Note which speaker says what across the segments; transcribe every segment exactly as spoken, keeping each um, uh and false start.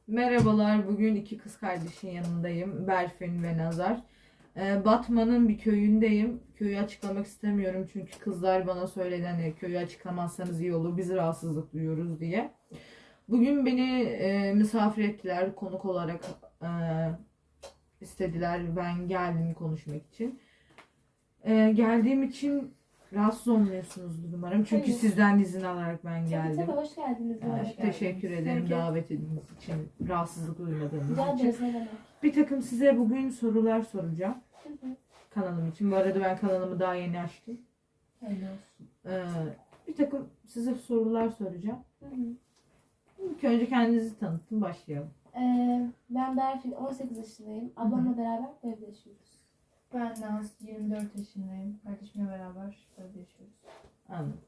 Speaker 1: Merhabalar, bugün iki kız kardeşin yanındayım. Berfin ve Nazar. Ee, Batman'ın bir köyündeyim. Köyü açıklamak istemiyorum çünkü kızlar bana söyledi hani köyü açıklamazsanız iyi olur, biz rahatsızlık duyuyoruz diye. Bugün beni e, misafir ettiler, konuk olarak e, istediler. Ben geldim konuşmak için. E, geldiğim için rahatsız olmuyorsunuzdur umarım. Çünkü
Speaker 2: Hayır.
Speaker 1: sizden izin alarak ben
Speaker 2: Tabii
Speaker 1: geldim.
Speaker 2: tabii, hoş geldiniz.
Speaker 1: Ee,
Speaker 2: Hoş
Speaker 1: teşekkür
Speaker 2: geldiniz.
Speaker 1: ederim
Speaker 2: Peki.
Speaker 1: davet ettiğiniz için, rahatsızlık duymadığınız
Speaker 2: Rica
Speaker 1: için.
Speaker 2: ederiz, ne demek.
Speaker 1: Bir takım size bugün sorular soracağım
Speaker 2: Hı hı.
Speaker 1: kanalım için. Bu arada ben kanalımı daha yeni açtım.
Speaker 2: Hayırlı olsun.
Speaker 1: Ee, bir takım size sorular soracağım.
Speaker 2: Hı hı.
Speaker 1: İlk önce kendinizi tanıtın, başlayalım.
Speaker 2: Ee, ben Berfin, on sekiz yaşındayım. Ablamla beraber bu evde yaşıyoruz.
Speaker 3: Ben Naz, yirmi dört yaşındayım. Kardeşimle beraber burada yaşıyoruz.
Speaker 1: Anladım.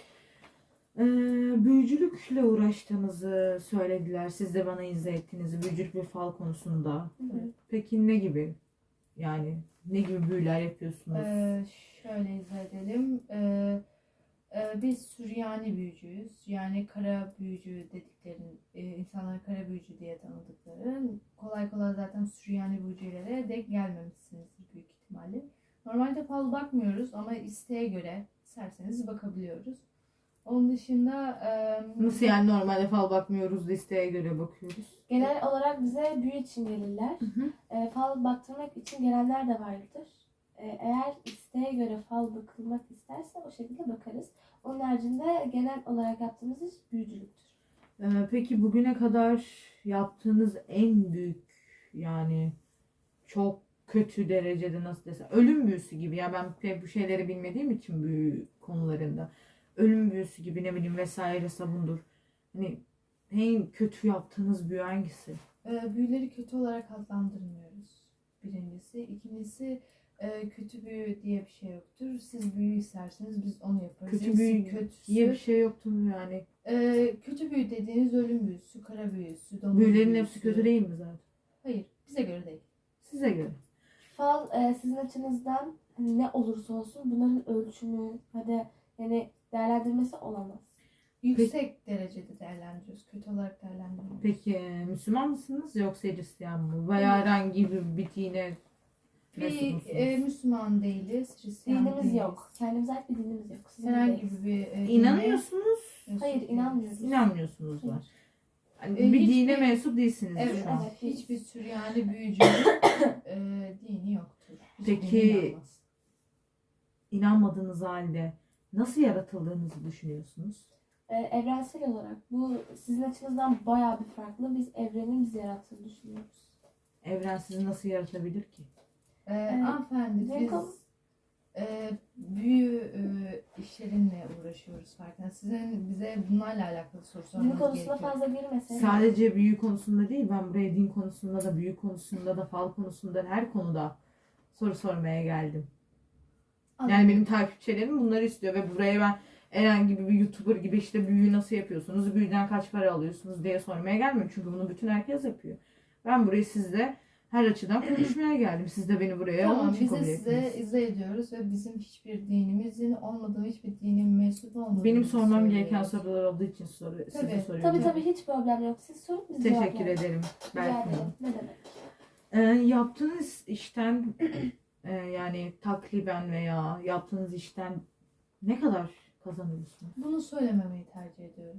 Speaker 1: Ee, büyücülükle uğraştığınızı söylediler. Siz de bana izah ettiğinizi büyücülük ve fal konusunda.
Speaker 2: Hı hı.
Speaker 1: Peki ne gibi? Yani ne gibi büyüler yapıyorsunuz?
Speaker 3: Ee, şöyle izah edelim. Ee, e, biz Süryani büyücüyüz. Yani kara büyücü dediklerin, e, insanlar kara büyücü diye tanıdıkları. Kolay kolay zaten Süryani büyücülere denk gelmemişsinizdir büyük ihtimalle. Normalde fal bakmıyoruz ama isteğe göre isterseniz bakabiliyoruz. Onun dışında... e,
Speaker 1: Nasıl yani normalde fal bakmıyoruz, listeye göre bakıyoruz?
Speaker 2: Genel olarak bize büyü için gelirler.
Speaker 1: Hı hı.
Speaker 2: Ee, fal baktırmak için gelenler de vardır. Ee, eğer isteğe göre fal bakılmak isterse o şekilde bakarız. Onun haricinde genel olarak yaptığımız iş büyücülüktür.
Speaker 1: Ee, peki bugüne kadar yaptığınız en büyük yani çok kötü derecede nasıl desem ölüm büyüsü gibi ya ben pek bu şeyleri bilmediğim için büyü konularında ölüm büyüsü gibi ne bileyim vesaire sabundur. Hani en kötü yaptığınız büyü hangisi?
Speaker 3: E, büyüleri kötü olarak adlandırmıyoruz. Birincisi. İkincisi e, kötü büyü diye bir şey yoktur. Siz büyü isterseniz biz onu yaparız.
Speaker 1: Kötü
Speaker 3: Birisi
Speaker 1: büyü
Speaker 3: kötüsü,
Speaker 1: diye bir şey yoktu mu yani?
Speaker 3: e, kötü büyü dediğiniz ölüm büyüsü, kara büyüsü, domuz
Speaker 1: Büyülerin
Speaker 3: büyüsü.
Speaker 1: hepsi kötü değil mi zaten?
Speaker 3: Hayır. Bize göre değil.
Speaker 1: Size göre.
Speaker 2: Fal e, sizin açınızdan hani ne olursa olsun bunların ölçümü hadi yani değerlendirmesi olamaz.
Speaker 3: Yüksek derecede değerlendiriyoruz. Kötü olarak değerlendirmiyoruz.
Speaker 1: Peki Müslüman mısınız yoksa Hristiyan mı? Veya herhangi bir, bir dine mensup
Speaker 3: Bir
Speaker 1: musunuz?
Speaker 3: e, Müslüman değiliz. Hristiyan
Speaker 2: Dinimiz
Speaker 3: değiliz.
Speaker 2: yok. Kendimize ait bir dinimiz yok. Sizin
Speaker 3: Herhangi
Speaker 2: değiliz.
Speaker 3: bir e, dine
Speaker 1: İnanıyorsunuz,
Speaker 3: mensup
Speaker 2: Hayır,
Speaker 3: değiliz.
Speaker 2: inanmıyoruz.
Speaker 1: inanmıyorsunuz var.
Speaker 2: Hayır.
Speaker 1: Hani
Speaker 3: E,
Speaker 1: bir
Speaker 3: hiçbir-
Speaker 1: dine mensup değilsiniz
Speaker 3: Evet,
Speaker 1: şu an.
Speaker 2: Evet.
Speaker 3: hiçbir Süryani büyücünün e, dini yoktur. Hiçbir
Speaker 1: Peki-
Speaker 3: dine inanmaz.
Speaker 1: İnanmadığınız halde nasıl yaratıldığınızı düşünüyorsunuz?
Speaker 2: Ee, evrensel olarak bu sizin açınızdan bayağı bir farklı. Biz evrenin bizi yarattığını düşünüyoruz.
Speaker 1: Evren sizi nasıl yaratabilir ki?
Speaker 3: E,
Speaker 2: Evet.
Speaker 3: hanımefendi
Speaker 2: Bizim
Speaker 3: biz
Speaker 2: konu-
Speaker 3: e, büyü e, işlerinle uğraşıyoruz farkında. Sizin bize bunlarla alakalı soru
Speaker 2: Din
Speaker 3: sormanız
Speaker 2: konusuna
Speaker 3: gerekiyor.
Speaker 2: fazla girmesek.
Speaker 1: Sadece büyü konusunda değil, ben buraya din konusunda da, büyü konusunda da, fal konusunda da, her konuda soru sormaya geldim. Yani benim takipçilerim bunları istiyor ve buraya ben herhangi bir YouTuber gibi işte büyüyü nasıl yapıyorsunuz, büyüden kaç para alıyorsunuz diye sormaya gelmiyorum. Çünkü bunu bütün herkes yapıyor. Ben buraya sizle her açıdan konuşmaya geldim. Siz de beni buraya onun
Speaker 3: Tamam,
Speaker 1: için
Speaker 3: biz de
Speaker 1: kabul
Speaker 3: size
Speaker 1: ettiniz.
Speaker 3: izah ediyoruz ve bizim hiçbir dinimizin olmadığı, hiçbir dinin mensup olmadığını
Speaker 1: Benim sormam
Speaker 3: söylüyoruz.
Speaker 1: gereken sorular olduğu için soru, size
Speaker 3: Tabii.
Speaker 1: soruyorum.
Speaker 2: Tabii tabii, hiç problem yok. Siz sorun, biz
Speaker 1: Teşekkür
Speaker 2: cevaplayalım.
Speaker 1: ederim.
Speaker 2: Rica
Speaker 1: Belki.
Speaker 2: ederim. Ne demek?
Speaker 1: Ee, yaptığınız işten e, yani takriben veya yaptığınız işten ne kadar kazanıyorsunuz?
Speaker 3: Bunu söylememeyi tercih ediyoruz.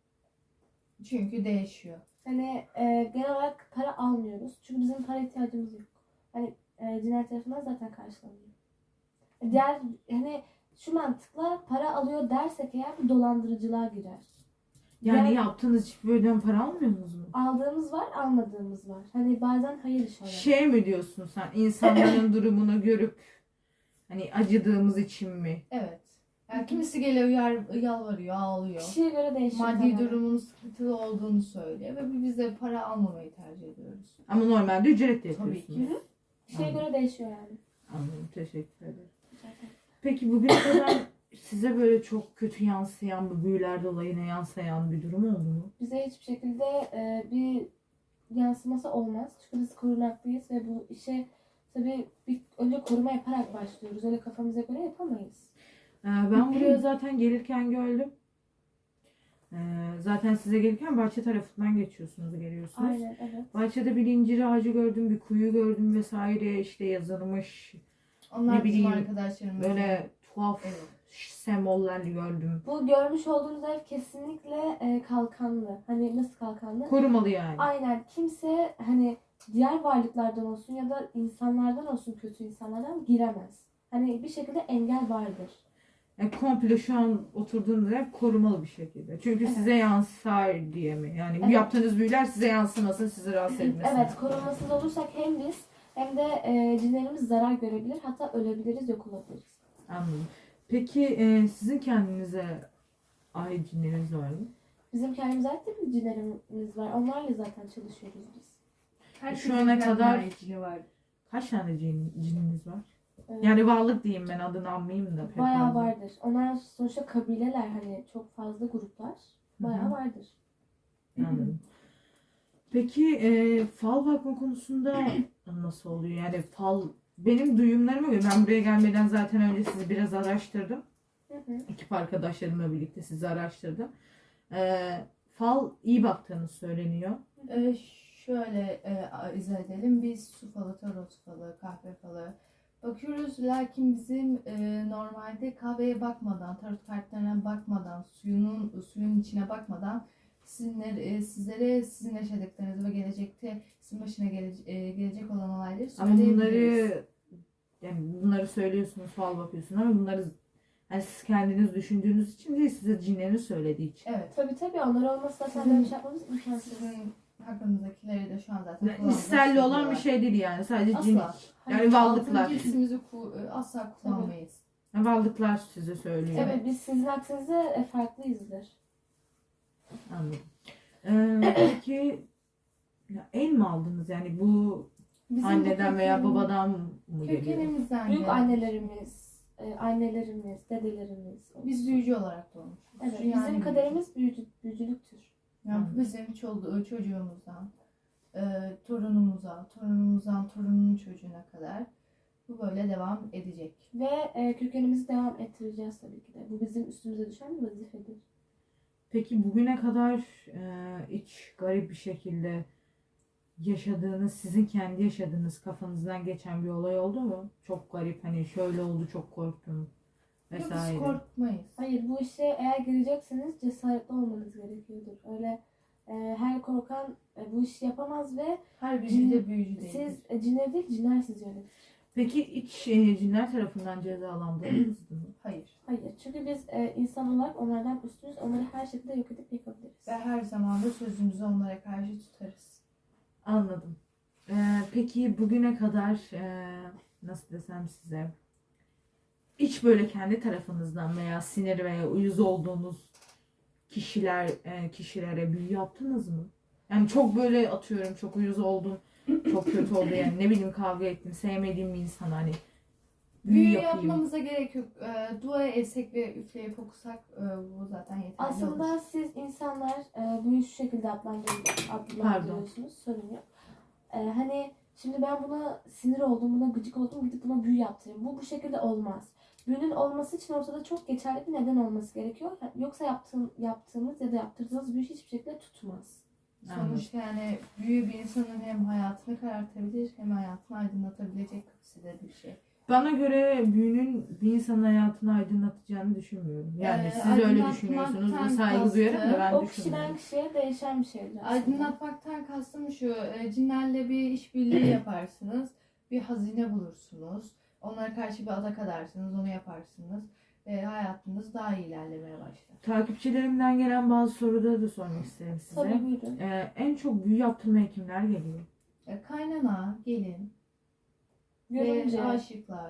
Speaker 3: Çünkü değişiyor.
Speaker 2: Hani e, genel olarak para almıyoruz. Çünkü bizim para ihtiyacımız yok. Hani e, cinayet tarafından zaten karşılanıyor. Diğer hani şu mantıkla para alıyor dersek eğer bu dolandırıcılığa girer.
Speaker 1: Yani
Speaker 2: Yani-
Speaker 1: yaptığınız hiçbir ödem para almıyorsunuz mu?
Speaker 2: Aldığımız var, almadığımız var. Hani bazen hayır iş olarak.
Speaker 1: Şey mi diyorsun sen, insanların durumunu görüp hani acıdığımız için mi?
Speaker 3: Evet. Yani kimisi geliyor yar, yalvarıyor, ağlıyor.
Speaker 2: Kişiye göre değişiyor.
Speaker 3: Maddi
Speaker 2: tamamen.
Speaker 3: durumunun sıkıntılı olduğunu söylüyor ve biz de para almamayı tercih ediyoruz.
Speaker 1: Ama normalde ücretle
Speaker 3: Tabii
Speaker 1: yapıyorsunuz.
Speaker 3: ki.
Speaker 2: Kişiye göre değişiyor yani.
Speaker 1: Anladım, teşekkür ederim.
Speaker 2: Zaten.
Speaker 1: Peki bugüne kadar size böyle çok kötü yansıyan, bu büyüler dolayına yansıyan bir durum oldu mu?
Speaker 2: Bize hiçbir şekilde e, bir yansıması olmaz. Çünkü biz korunaklıyız ve bu işe tabii bir önce koruma yaparak başlıyoruz. Öyle kafamıza göre yapamayız.
Speaker 1: Ee, ben buraya zaten gelirken gördüm. Ee, zaten size gelirken bahçe tarafından geçiyorsunuz, geliyorsunuz.
Speaker 2: Aynen, evet.
Speaker 1: Bahçede bir incir ağacı gördüm, bir kuyu gördüm vesaire, işte yazılmış
Speaker 3: Onlar
Speaker 1: Ne
Speaker 3: bizim
Speaker 1: bileyim,
Speaker 3: arkadaşlarımız.
Speaker 1: böyle tuhaf
Speaker 3: Evet.
Speaker 1: semboller gördüm.
Speaker 2: Bu görmüş olduğunuz ev kesinlikle e, kalkanlı. Hani nasıl kalkanlı?
Speaker 1: Korumalı yani.
Speaker 2: Aynen. Kimse hani diğer varlıklardan olsun ya da insanlardan olsun, kötü insanlardan giremez. Hani bir şekilde engel vardır.
Speaker 1: Yani komple şu an oturduğunuz yer korumalı bir şekilde. Çünkü
Speaker 2: Evet.
Speaker 1: size yansar diye mi? Yani bu
Speaker 2: Evet.
Speaker 1: yaptığınız büyüler size yansımasın, sizi rahatsız etmesin.
Speaker 2: Evet, korunmasız olursak hem biz hem de e, cinlerimiz zarar görebilir. Hatta ölebiliriz, yok olabiliriz.
Speaker 1: Anladım. Peki e, sizin kendinize ait cinleriniz var mı?
Speaker 2: Bizim kendimize ait de bir cinlerimiz var. Onlarla zaten çalışıyoruz biz.
Speaker 3: Herkesin
Speaker 1: Şu ana
Speaker 3: kendine
Speaker 1: kadar-
Speaker 3: ait cini var.
Speaker 1: Kaç tane cin, cininiz var?
Speaker 2: Ee,
Speaker 1: Yani varlık diyeyim, ben adını anmayayım da. pek
Speaker 2: bayağı
Speaker 1: fazla.
Speaker 2: vardır. Onlar sonuçta kabileler, hani çok fazla gruplar. Bayağı
Speaker 1: Hı hı.
Speaker 2: vardır.
Speaker 1: Anladım. Peki e, fal bakma konusunda nasıl oluyor? Yani fal, benim duyumlarıma göre, ben buraya gelmeden zaten önce sizi biraz araştırdım.
Speaker 2: Hı hı.
Speaker 1: Ekip arkadaşlarımla birlikte sizi araştırdım. E, fal iyi baktığınız söyleniyor.
Speaker 3: Ee, şöyle e, izah edelim. Biz su falı, tarot falı, kahve falı bakıyoruz. Lakin bizim e, normalde kahveye bakmadan, tarot kartlarına bakmadan, suyunun suyun içine bakmadan sizinle, e, sizlere sizin yaşadıklarınızı ve gelecekte sizin başına gele, e, gelecek olan olayları
Speaker 1: Ama
Speaker 3: söyleyebiliriz.
Speaker 1: bunları yani bunları söylüyorsunuz, fal bakıyorsunuz ama bunları yani siz kendiniz düşündüğünüz için değil, size cinlerin söylediği için.
Speaker 3: Evet.
Speaker 2: Tabii tabii, onlar olmasa zaten
Speaker 3: Sizin-
Speaker 2: böyle bir şey yapmamız imkansız.
Speaker 3: Sizin hakkınızdakileri de şu an zaten
Speaker 1: Yani
Speaker 3: kulağımıza
Speaker 1: İsterli olan bir
Speaker 3: söylüyorlar.
Speaker 1: şey değil yani, sadece cin.
Speaker 3: Asla.
Speaker 1: Yani varlıklar.
Speaker 3: Altıncı hissimizi ku- asla kullanmayız.
Speaker 1: Yani varlıklar size söylüyor.
Speaker 2: Evet, biz sizin aksinize e, farklıyızdır.
Speaker 1: Anladım. Ee, peki ya el mi aldınız? Yani bu
Speaker 3: Bizim bu
Speaker 1: anneden veya
Speaker 3: köken-
Speaker 1: babadan mı geliyor?
Speaker 3: Kökenimizden
Speaker 2: Büyük
Speaker 3: gelen.
Speaker 2: annelerimiz, e, annelerimiz, dedelerimiz.
Speaker 3: Biz büyücü olarak doğmuşuz.
Speaker 2: Evet,
Speaker 3: Yani
Speaker 2: bizim kaderimiz büyücü, büyücülüktür.
Speaker 3: Yani
Speaker 1: Hı.
Speaker 3: bizim çol- çocuğumuzdan, e, torunumuza, torunumuzdan torunun çocuğuna kadar bu böyle devam edecek.
Speaker 2: Ve e, kökenimizi devam ettireceğiz tabii ki de. Bu bizim üstümüze düşen bir vazifedir.
Speaker 1: Peki bugüne kadar e, hiç garip bir şekilde yaşadığınız, sizin kendi yaşadığınız, kafanızdan geçen bir olay oldu mu? Çok garip, hani şöyle oldu, çok korktum
Speaker 3: Yok, biz
Speaker 1: vesaire.
Speaker 3: korkmayız.
Speaker 2: Hayır, bu işe eğer girecekseniz cesaretli olmanız gerekiyordur. Öyle e, her korkan e, bu işi yapamaz ve
Speaker 3: Her büyücü de büyücü değil.
Speaker 2: siz e, cinler değil, cinler sizi yönetir.
Speaker 1: Peki hiç e, cinler tarafından cezalandırıldınız mı?
Speaker 3: Hayır.
Speaker 2: Hayır, çünkü biz e, insan olarak onlardan üstünüz. Onları her şekilde yok edip yıkabiliriz.
Speaker 3: Ve her zaman da sözümüzü onlara karşı tutarız.
Speaker 1: Anladım. Ee, peki bugüne kadar e, nasıl desem size, hiç böyle kendi tarafınızdan veya sinir veya uyuz olduğunuz kişiler e, kişilere büyü yaptınız mı? Yani çok böyle atıyorum, çok uyuz oldum, çok kötü oldu, yani ne bileyim kavga ettim, sevmediğim bir insan hani büyü,
Speaker 3: Büyü
Speaker 1: yapayım.
Speaker 3: yapmamıza gerek yok. E, dua etsek ve üfleyip okusak e, bu zaten yeterli
Speaker 2: Aslında
Speaker 3: olur.
Speaker 2: siz insanlar e, bunu şu şekilde adlandır- adlandırıyorsunuz. Sorun yok. E, hani şimdi ben buna sinir oldum, buna gıcık oldum, gidip buna büyü yaptırayım. Bu bu şekilde olmaz. Büyünün olması için ortada çok geçerli bir neden olması gerekiyor. Yoksa yaptığım, yaptığımız ya da yaptırdığınız büyü hiçbir şekilde tutmaz.
Speaker 3: Sonuçta yani büyü bir insanın hem hayatını karartabilir hem hayatını aydınlatabilecek kapasitede bir şey.
Speaker 1: Bana göre büyünün bir insanın hayatını aydınlatacağını düşünmüyorum. Yani
Speaker 3: Ee,
Speaker 1: siz öyle
Speaker 3: aydınlatmaktan
Speaker 1: düşünüyorsunuz ve saygı
Speaker 3: kastım,
Speaker 1: duyarım da ben
Speaker 2: o
Speaker 1: düşünmüyorum.
Speaker 2: kişiden kişiye değişen bir şeydir aslında.
Speaker 3: Aydınlatmaktan kastım şu, e, cinlerle bir işbirliği yaparsınız, bir hazine bulursunuz, onlara karşı bir adak adarsınız, onu yaparsınız ve hayatınız daha iyi ilerlemeye başlar.
Speaker 1: Takipçilerimden gelen bazı soruları da sormak isterim size.
Speaker 2: Tabii, buyurun.
Speaker 1: Ee, en çok büyü yaptırmaya kimler geliyor?
Speaker 3: E, kaynana, gelin
Speaker 2: Görünce
Speaker 3: ve aşıklar.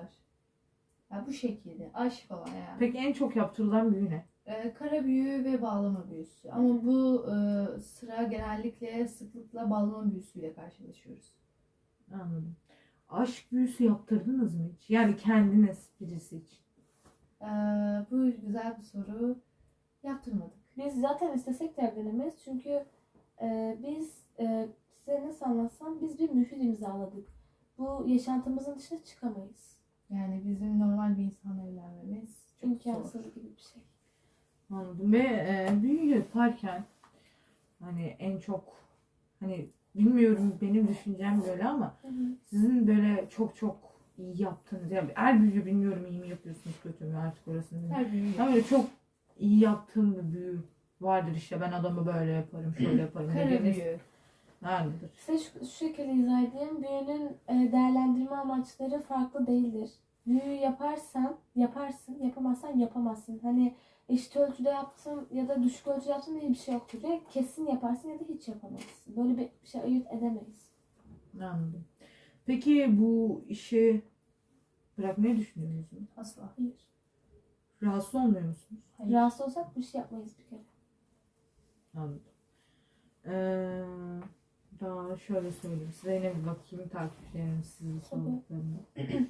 Speaker 3: Ya bu şekilde, aşık olan yani.
Speaker 1: Peki en çok yaptırılan büyü ne?
Speaker 3: E, kara büyü ve bağlama büyüsü. Ama bu e, sıra genellikle sıklıkla bağlama büyüsüyle karşılaşıyoruz.
Speaker 1: Anladım. Aşk büyüsü yaptırdınız mı hiç? Yani kendiniz, birisi için.
Speaker 3: E, bu güzel bir soru. Yaptırmadık.
Speaker 2: biz zaten istesek de evlenemeyiz. Çünkü e, biz e, size nasıl anlatsam biz bir mühür imzaladık. Bu yaşantımızın dışına çıkamayız.
Speaker 3: Yani bizim normal bir insanla evlenmemiz çok zor.
Speaker 2: İmkansız gibi bir şey.
Speaker 1: Anladım. Ve e, büyü yaparken hani en çok hani bilmiyorum benim düşüncem böyle ama
Speaker 2: Hı hı.
Speaker 1: sizin böyle çok çok iyi yaptığınız yani er büyü bilmiyorum iyi mi yapıyorsunuz kötü mü artık orasını bilmiyorum.
Speaker 3: Her büyü
Speaker 1: Ama böyle çok iyi yaptığım bir büyü vardır işte ben adamı böyle yaparım şöyle yaparım
Speaker 3: kara
Speaker 1: dediğiniz
Speaker 3: büyü.
Speaker 1: nerededir?
Speaker 2: Size şu, şu şekilde izah edeyim. Büyünün e, değerlendirme amaçları farklı değildir. Büyü yaparsan yaparsın, yapamazsan yapamazsın. Hani eşit ölçüde yaptın ya da düşük ölçüde yaptın diye bir şey yoktur. Ya kesin yaparsın ya da hiç yapamazsın. Böyle bir şey ayırt edemeyiz.
Speaker 1: Anladım. Peki bu işi bırakmayı düşünüyor musunuz?
Speaker 3: Asla.
Speaker 2: Hayır.
Speaker 1: Rahatsız olmuyor musunuz?
Speaker 3: Hayır.
Speaker 2: Rahatsız olsak bu işi yapmayız bir kere.
Speaker 1: Anladım. Ee, daha şöyle söyleyeyim. Size yine bir bakayım takipçilerim sizi sorduklarını.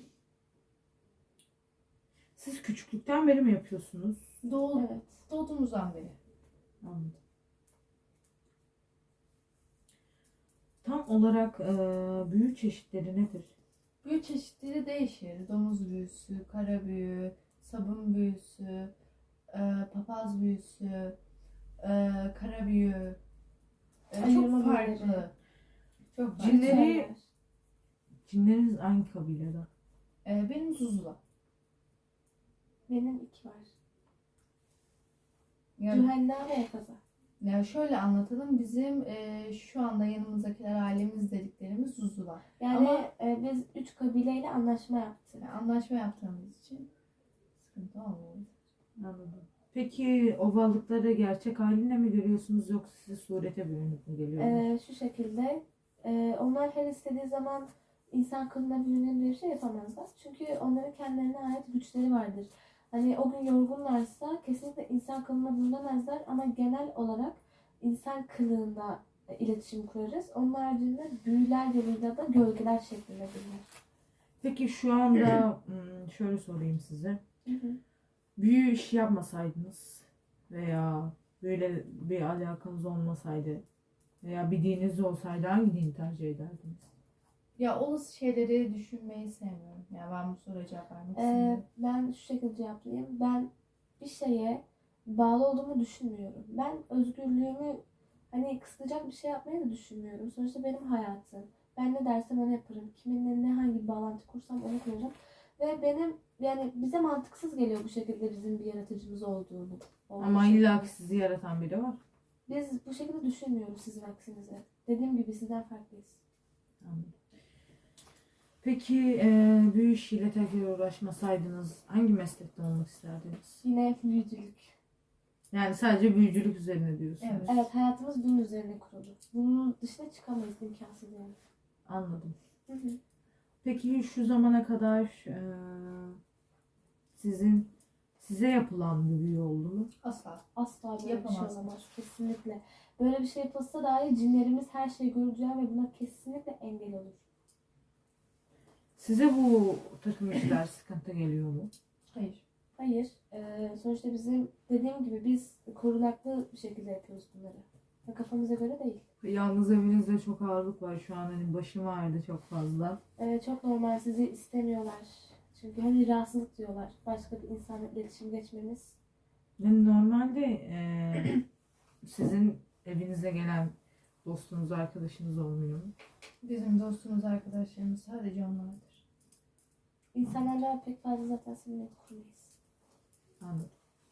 Speaker 1: Siz küçüklükten beri mi yapıyorsunuz?
Speaker 3: Doğ,
Speaker 2: Evet.
Speaker 3: Doğduğumuzdan beri.
Speaker 1: Anladım. Tam olarak e, büyü çeşitleri nedir?
Speaker 3: Büyü çeşitleri değişir. Domuz büyüsü, kara büyü, sabun büyüsü, e, papaz büyüsü, e, kara büyü. E,
Speaker 2: Ayırma
Speaker 3: çok farklı.
Speaker 2: büyüleri.
Speaker 3: Çok farklı.
Speaker 1: Cinleri-
Speaker 2: Şeyler.
Speaker 1: Cinleriniz hangi kabilede?
Speaker 3: E, benim Zuzula.
Speaker 2: Benim iki var.
Speaker 3: Yani,
Speaker 2: Cühenna ve Efaza.
Speaker 3: ya şöyle anlatalım. Bizim e, şu anda yanımızdakiler ailemiz dediklerimiz Zuzula.
Speaker 2: Yani
Speaker 3: Ama-
Speaker 2: e, biz üç kabileyle anlaşma yaptık.
Speaker 3: Yani anlaşma yaptığımız için sıkıntı olmuyor.
Speaker 1: Anladım. Peki o varlıkları gerçek haline mi görüyorsunuz yoksa size surete bürünüp mü geliyorlar?
Speaker 2: E, şu şekilde e, onlar her istediği zaman insan kılına bürünen bir şey yapamazlar. Çünkü onların kendilerine ait güçleri vardır. Hani o gün yorgunlarsa kesinlikle insan kılına bürünemezler ama genel olarak insan kılığında e, iletişim kurarız. Onun haricinde büyüler yoluyla da gölgeler şeklinde bulunur.
Speaker 1: Peki şu anda hmm, şöyle sorayım size.
Speaker 2: Hı hı.
Speaker 1: Büyü işi yapmasaydınız veya böyle bir alakanız olmasaydı veya bir dininiz olsaydı hangi dini tercih ederdiniz?
Speaker 3: Ya olası şeyleri düşünmeyi sevmiyorum. Ya ben bu soruya cevap vermek
Speaker 2: Ee,
Speaker 3: istemiyorum.
Speaker 2: ben şu şekilde cevaplayayım. Ben bir şeye bağlı olduğumu düşünmüyorum. Ben özgürlüğümü hani kısıtlayacak bir şey yapmayı da düşünmüyorum. Sonuçta benim hayatım. Ben ne dersem onu yaparım. Kiminle ne hangi bir bağlantı kursam onu kurarım. Ve benim yani bize mantıksız geliyor bu şekilde bizim bir yaratıcımız olduğunu.
Speaker 1: Ama illa ki sizi yaratan biri var.
Speaker 2: Biz bu şekilde düşünmüyoruz sizin aksinize. Dediğim gibi sizden farklıyız.
Speaker 1: Anladım. Peki e, büyü işiyle tekrar uğraşmasaydınız hangi meslekte olmak isterdiniz?
Speaker 2: Yine büyücülük.
Speaker 1: Yani sadece büyücülük üzerine diyorsunuz.
Speaker 3: Evet.
Speaker 2: Evet, hayatımız bunun üzerine kurulu. Bunun dışına çıkamayız, imkansız yani.
Speaker 1: Anladım.
Speaker 2: Hı hı.
Speaker 1: Peki şu zamana kadar e, sizin size yapılan bir büyü oldu mu?
Speaker 3: Asla.
Speaker 2: Asla böyle bir şey
Speaker 3: Yapamazsınız.
Speaker 2: olamaz. Kesinlikle. Böyle bir şey yapılsa dahi cinlerimiz her şeyi göreceği ve buna kesinlikle engel olur.
Speaker 1: Size bu takım işler sıkıntı geliyor mu?
Speaker 3: Hayır.
Speaker 2: Hayır. Ee, sonuçta bizim dediğim gibi biz korunaklı bir şekilde yapıyoruz bunları. Ve kafamıza göre değil.
Speaker 1: Yalnız evinizde çok ağırlık var şu an hani başım ağrıdı çok fazla.
Speaker 2: Ee, çok normal, sizi istemiyorlar. Çünkü hani rahatsızlık diyorlar. Başka bir insanla iletişim geçmemiz.
Speaker 1: Yani normalde e, sizin evinize gelen dostunuz, arkadaşınız olmuyor mu?
Speaker 3: Bizim dostumuz, arkadaşlarımız sadece onlardır.
Speaker 2: İnsanlarla pek fazla zaten samimiyet kurmayız.
Speaker 1: Anladım.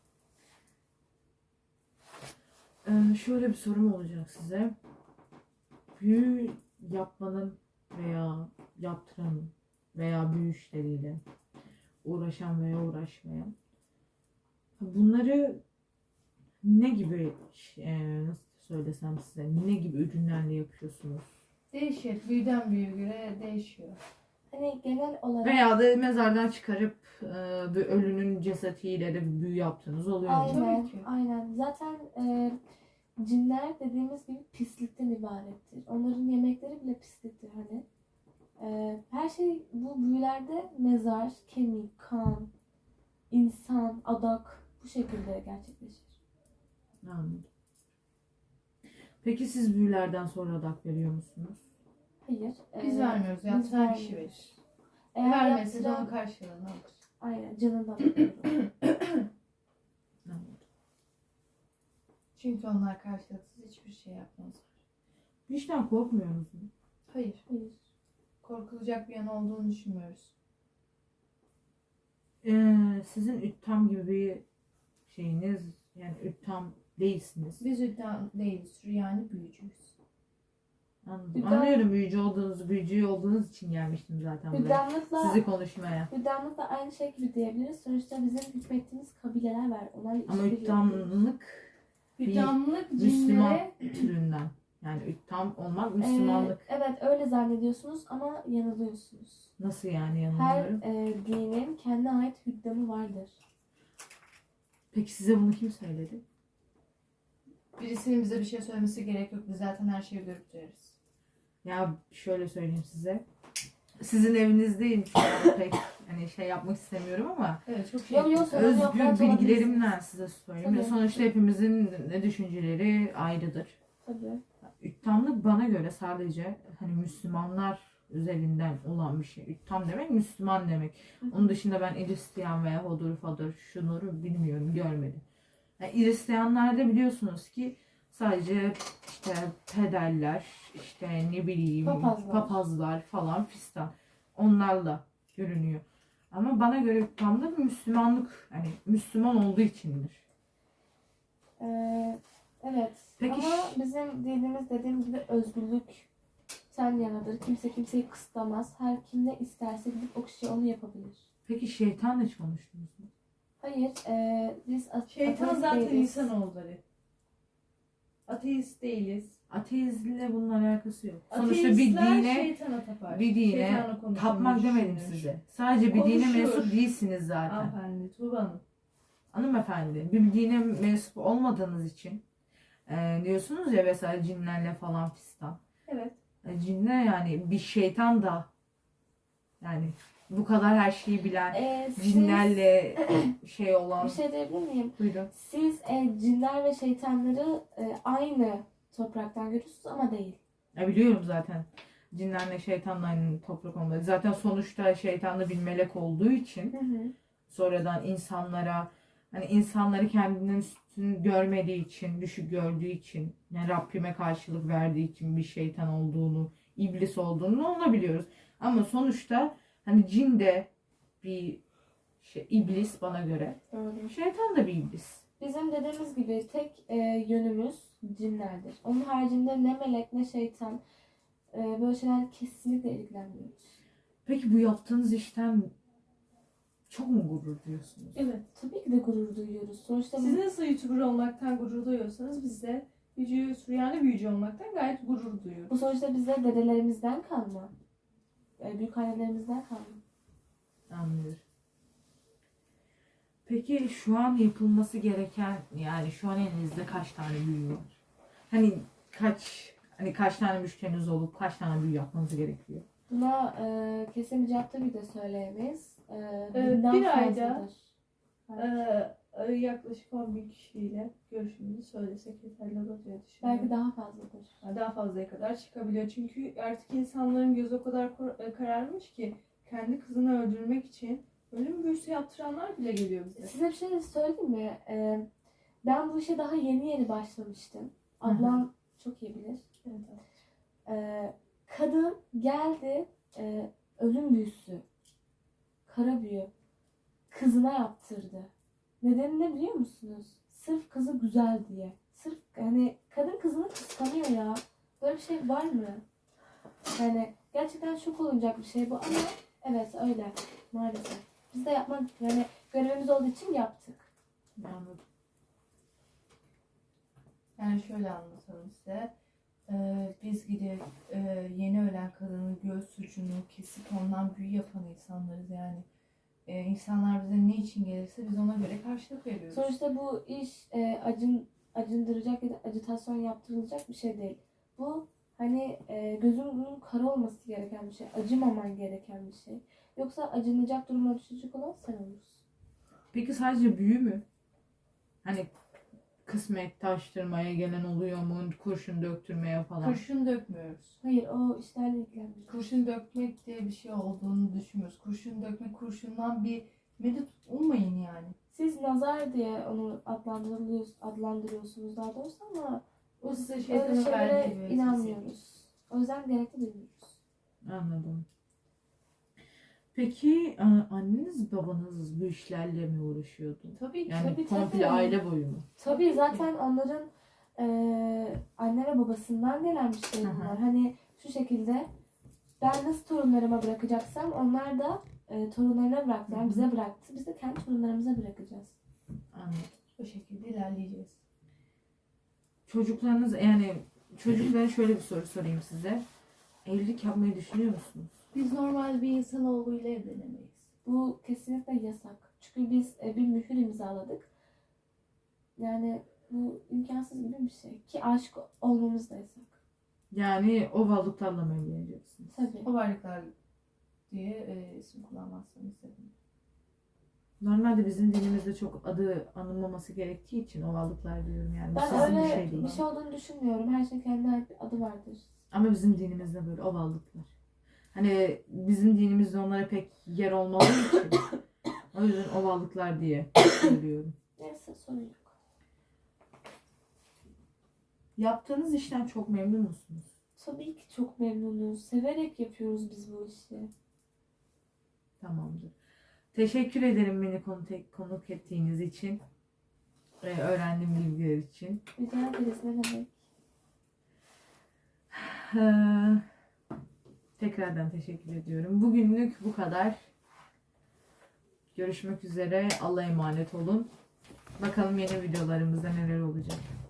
Speaker 1: Ee, şöyle bir sorum olacak size. Büyü yapmanın veya yaptıranın veya büyü işleriyle uğraşan veya uğraşmayan bunları ne gibi e, nasıl söylesem size ne gibi ürünlerle yapıyorsunuz?
Speaker 3: Değişir. Büyüden büyüye göre değişiyor.
Speaker 2: Hani genel olarak
Speaker 1: Veya da mezardan çıkarıp e, bir ölünün cesediyle de bir büyü yaptığınız oluyor mu?
Speaker 2: aynen,
Speaker 3: Tabii ki.
Speaker 2: aynen. Zaten e, cinler dediğimiz gibi pislikten ibarettir. Onların yemekleri bile pisliktir hani. E, her şey bu büyülerde mezar, kemik, kan, insan, adak bu şekilde gerçekleşir.
Speaker 1: Anladım. Peki siz büyülerden sonra adak veriyor musunuz?
Speaker 2: Hayır.
Speaker 3: Biz
Speaker 2: e,
Speaker 3: vermiyoruz.
Speaker 2: biz
Speaker 3: Yaptıran kişi
Speaker 2: vermiyoruz.
Speaker 3: verir.
Speaker 2: Eğer
Speaker 3: Vermesi de
Speaker 2: yaptıran-
Speaker 3: onun karşılığını alır.
Speaker 2: Aynen canından alıyoruz.
Speaker 1: Anladım.
Speaker 3: Çünkü onlar karşılıksız hiçbir şey yapmazlar.
Speaker 1: Bu işten korkmuyor musun?
Speaker 3: Hayır.
Speaker 2: Hayır.
Speaker 3: Korkulacak bir yanı olduğunu düşünmüyoruz.
Speaker 1: Ee, sizin üttam gibi bir şeyiniz, yani üttam değilsiniz.
Speaker 3: Biz iddia değiliz. Süryani büyücüyüz.
Speaker 1: Anladım.
Speaker 2: Üttam-
Speaker 1: Anlıyorum, büyücü olduğunuzu, büyücü olduğunuz için gelmiştim zaten buraya.
Speaker 2: Hüddamlıkla,
Speaker 1: Sizi konuşmaya.
Speaker 2: hüddamlıkla aynı şey gibi diyebiliriz. Sonuçta bizim hükmettiğimiz kabileler var. Onlarla
Speaker 1: Ama
Speaker 2: işbirliği yapıyoruz.
Speaker 1: üttamlık Bir
Speaker 3: Hüddamlık
Speaker 1: Müslüman
Speaker 3: cinlere
Speaker 1: türünden. Yani üttam olmak
Speaker 2: Ee,
Speaker 1: Müslümanlık.
Speaker 2: evet öyle zannediyorsunuz ama yanılıyorsunuz.
Speaker 1: Nasıl yani
Speaker 2: Her
Speaker 1: yanılıyorum?
Speaker 2: e, dinin kendine ait hüddamı vardır.
Speaker 1: Peki size bunu kim söyledi?
Speaker 3: birisinin bize bir şey söylemesi gerek yok. Biz zaten her şeyi görüp duyarız.
Speaker 1: Ya şöyle söyleyeyim size. Sizin evinizdeyim şu an pek hani şey yapmak istemiyorum ama
Speaker 3: Evet çok şey.
Speaker 2: Yok yok sorun yok.
Speaker 1: özgür
Speaker 2: rahat
Speaker 1: bilgilerimle
Speaker 2: olabilirsiniz.
Speaker 1: size söyleyeyim.
Speaker 2: Tabii.
Speaker 1: Sonuçta hepimizin ne düşünceleri ayrıdır.
Speaker 2: Tabii.
Speaker 1: Üttamlık bana göre sadece hani Müslümanlar üzerinden olan bir şey. Üttam demek Müslüman demek. Onun dışında ben Hristiyan veya Hodur Fadır şunları bilmiyorum, görmedim. Yani Hristiyanlarda biliyorsunuz ki sadece işte pederler, işte ne bileyim
Speaker 2: Papazlar.
Speaker 1: papazlar falan fistan onlarla görünüyor. Ama bana göre üttamlık Müslümanlık, hani Müslüman olduğu içindir.
Speaker 2: Ee, evet.
Speaker 1: Peki
Speaker 2: Ama
Speaker 1: ş-
Speaker 2: bizim dinimiz dediğim gibi özgürlükten yanadır. Kimse kimseyi kısıtlamaz. Her kim ne isterse gidip o kişi onu yapabilir.
Speaker 1: Peki şeytanla hiç konuştunuz mu?
Speaker 2: Hayır. E, biz a-
Speaker 3: Şeytan
Speaker 2: ateist
Speaker 3: zaten
Speaker 2: değiliz.
Speaker 3: insanoğulları. Ateist değiliz.
Speaker 1: Ateizmle bunun alakası yok. Sonuçta bir
Speaker 3: Ateistler
Speaker 1: dine
Speaker 3: şeytana tapar.
Speaker 1: bir dine
Speaker 3: Şeytanla konuşulmuş
Speaker 1: tapmak demedim
Speaker 3: düşünür.
Speaker 1: size. Sadece bir dine
Speaker 3: Konuşur.
Speaker 1: mensup değilsiniz zaten.
Speaker 3: Hanımefendi, Tuğba Hanım.
Speaker 1: Hanımefendi, bir dine mensup olmadığınız için e, diyorsunuz ya mesela cinlerle falan fistan.
Speaker 3: Evet.
Speaker 1: E, cinler yani bir şeytan da yani bu kadar her şeyi bilen
Speaker 2: E, siz-
Speaker 1: cinlerle şey olan.
Speaker 2: Bir şey diyebilir miyim?
Speaker 1: Buyurun.
Speaker 2: Siz e, cinler ve şeytanları e, aynı topraktan görüyorsunuz ama değil.
Speaker 1: Ya biliyorum zaten. Cinlerle şeytanla aynı toprak olmadı. Zaten sonuçta şeytanlı bir melek olduğu için
Speaker 2: Hı hı.
Speaker 1: sonradan insanlara hani insanları kendinden üstün görmediği için, düşük gördüğü için, yani Rabbime karşılık verdiği için bir şeytan olduğunu, iblis olduğunu onu biliyoruz. Ama sonuçta hani cin de bir şey, iblis bana göre.
Speaker 2: Doğru.
Speaker 1: Şeytan da bir iblis.
Speaker 2: Bizim dediğimiz gibi tek e, yönümüz cinlerdir. Onun haricinde ne melek ne şeytan e, böyle şeyler kesinlikle ilgilenmiyoruz.
Speaker 1: Peki bu yaptığınız işten çok mu gurur duyuyorsunuz?
Speaker 3: Evet.
Speaker 2: Tabii ki de gurur duyuyoruz. Sonuçta
Speaker 3: Siz nasıl YouTuber olmaktan gurur duyuyorsanız biz de büyücü, Süryani büyücü olmaktan gayet gurur duyuyoruz.
Speaker 2: bu sonuçta bize dedelerimizden kalma. E, büyükannelerimizden kalma.
Speaker 1: Anlıyorum. Peki şu an yapılması gereken, yani şu an elinizde kaç tane büyü var? Hani kaç hani kaç tane müşteriniz olup kaç tane büyü yapmanız gerekiyor?
Speaker 2: Buna e, kesin bir cevap tabii de söyleyemeyiz. E,
Speaker 3: Ee,
Speaker 2: binden
Speaker 3: bir ayda-
Speaker 2: fazladır.
Speaker 3: Ee, yaklaşık on bin kişiyle görüşümüzü söylesek yeterli olur diye düşünüyorum.
Speaker 2: Belki daha fazladır.
Speaker 3: Yani daha fazlaya kadar çıkabiliyor. Çünkü artık insanların gözü o kadar kor- e, kararmış ki kendi kızını öldürmek için ölüm büyüsü yaptıranlar bile geliyor bize.
Speaker 2: Size bir şey söyleyeyim mi? E, ben bu işe daha yeni yeni başlamıştım. Ablam çok iyi bilir.
Speaker 3: Evet,
Speaker 2: E, kadın geldi e, ölüm büyüsü, kara büyü kızına yaptırdı. Nedeni ne biliyor musunuz? Sırf kızı güzel diye. Sırf hani kadın kızını kıskanıyor ya. Böyle bir şey var mı? Yani gerçekten şok olacak bir şey bu ama evet öyle maalesef. Biz de yapmak yani görevimiz olduğu için yaptık.
Speaker 1: Anladım.
Speaker 3: Yani şöyle anlatalım size. Ee, biz gidip e, yeni ölen kadının göğüs ucunu kesip ondan büyü yapan insanlarız yani. Ee, insanlar bize ne için gelirse biz ona göre karşılık veriyoruz.
Speaker 2: Sonuçta bu iş e, acın acındıracak ya da ajitasyon yaptırılacak bir şey değil. Bu hani e, gözünün kara olması gereken bir şey. Acımaman gereken bir şey. Yoksa acınacak duruma düşecek olan sen olursun.
Speaker 1: Peki sadece büyü mü? Hani kısmet taştırmaya gelen oluyor mu? Kurşun döktürmeye falan.
Speaker 3: Kurşun dökmüyoruz.
Speaker 2: Hayır o işlerle ilgilenmiyor.
Speaker 3: Kurşun dökmek diye bir şey olduğunu düşünmüyoruz. Kurşun dökmek, kurşundan bir medet ummayın yani.
Speaker 2: siz nazar diye onu adlandırılıyor, adlandırıyorsunuz daha doğrusu ama
Speaker 3: O size
Speaker 2: öyle
Speaker 3: şeytanın verdiği
Speaker 2: şeylere
Speaker 3: bir vesvese.
Speaker 2: inanmıyoruz. O yüzden gerekli duymuyoruz.
Speaker 1: Anladım. Peki a- anneniz babanız bu işlerle mi uğraşıyordu?
Speaker 3: Tabii ki.
Speaker 1: Yani
Speaker 2: Tabii,
Speaker 1: komple
Speaker 2: tabii.
Speaker 1: aile boyu mu?
Speaker 2: Tabii zaten onların eee, anne ve babasından gelen bir şey
Speaker 1: Hı hı.
Speaker 2: bunlar. Hani şu şekilde ben nasıl torunlarıma bırakacaksam onlar da e, torunlarına bıraktı.
Speaker 1: Hı
Speaker 2: Yani
Speaker 1: hı.
Speaker 2: bize bıraktı. Biz de kendi torunlarımıza bırakacağız.
Speaker 1: Anladım.
Speaker 3: O şekilde ilerleyeceğiz.
Speaker 1: Çocuklarınız yani çocuklara şöyle bir soru sorayım size. Evlilik yapmayı düşünüyor musunuz?
Speaker 3: Biz normal bir insanoğluyla evlenemeyiz.
Speaker 2: Bu kesinlikle yasak. Çünkü biz e, bir mühür imzaladık. Yani bu imkansız gibi bir şey. Ki aşık olmamız da yasak.
Speaker 1: Yani o varlıklarla mı evleneceksiniz?
Speaker 2: Tabii.
Speaker 3: O varlıklar diye e, isim kullanmazsam istedim.
Speaker 1: Normalde bizim dinimizde çok adı anılmaması gerektiği için o varlıklar diyorum yani. Bu
Speaker 2: Ben
Speaker 1: sizin bir
Speaker 2: öyle
Speaker 1: şey değil.
Speaker 2: bir şey olduğunu düşünmüyorum. Her şeyin kendine ait bir adı vardır.
Speaker 1: Ama bizim dinimizde böyle o varlıklar. Hani bizim dinimizde onlara pek yer olmadığı için o yüzden o varlıklar diye söylüyorum.
Speaker 2: Neyse sorun yok.
Speaker 1: Yaptığınız işten çok memnun musunuz?
Speaker 2: Tabii ki çok memnunuz. Severek yapıyoruz biz bu işi.
Speaker 1: Tamamdır. Teşekkür ederim beni konuk, konuk ettiğiniz için. Ve öğrendiğim bilgiler için.
Speaker 2: Rica ederiz ne demek.
Speaker 1: Ee, tekrardan teşekkür ediyorum. Bugünlük bu kadar. Görüşmek üzere. Allah'a emanet olun. Bakalım yeni videolarımızda neler olacak.